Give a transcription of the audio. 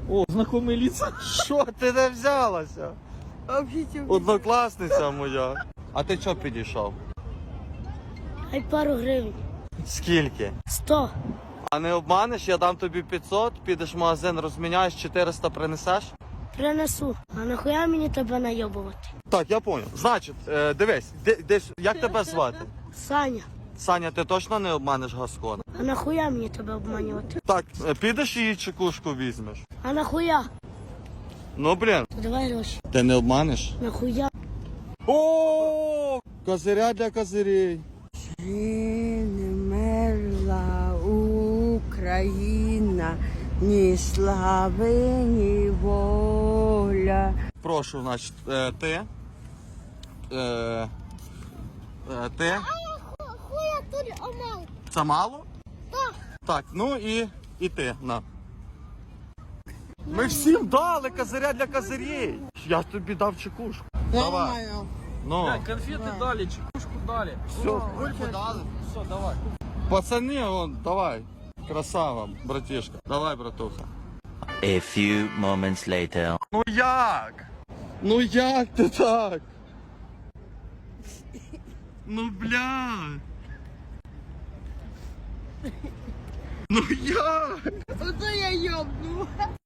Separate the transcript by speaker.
Speaker 1: О, знакомі лица.
Speaker 2: Що ти де взялася? Однокласниця моя. А ти чого підійшов?
Speaker 3: Хай пару гривень.
Speaker 2: Скільки?
Speaker 3: 100.
Speaker 2: А не обманеш, я дам тобі 500, підеш в магазин, розміняєш, 400 принесеш?
Speaker 3: Принесу. А нахуя мені тебе найобувати?
Speaker 2: Так, я понял. Значить, дивись, десь, як тебе звати?
Speaker 3: Саня.
Speaker 2: Саня, ти точно не обманеш Гаскона?
Speaker 3: А нахуя мені тебе обманювати?
Speaker 2: Так, підеш її чекушку візьмеш?
Speaker 3: А нахуя?
Speaker 2: Ну, блін.
Speaker 3: Давай гроші.
Speaker 2: Ти не обманеш?
Speaker 3: Нахуя?
Speaker 2: О, козиря для козирей.
Speaker 4: Чи не мерла Україна, ні слави, ні воля.
Speaker 2: Прошу, значить, ти. Ти.
Speaker 3: Хуя тут омал.
Speaker 2: Це мало?
Speaker 3: Так.
Speaker 2: Так, ну і ти, на. Ми всім дали козиря для козирей. Я тобі дав чекушку. Давай. Ну,
Speaker 1: Блядь, конфети дали, чекушку дали.
Speaker 2: все, кульку дали.
Speaker 1: Все, давай.
Speaker 2: Пацани, вон, давай. Красава, братишка. Давай, братуха.
Speaker 5: A few moments later.
Speaker 2: Ну як? Ну як ти так? Ну блядь. Ну як?
Speaker 4: Ото я йобну.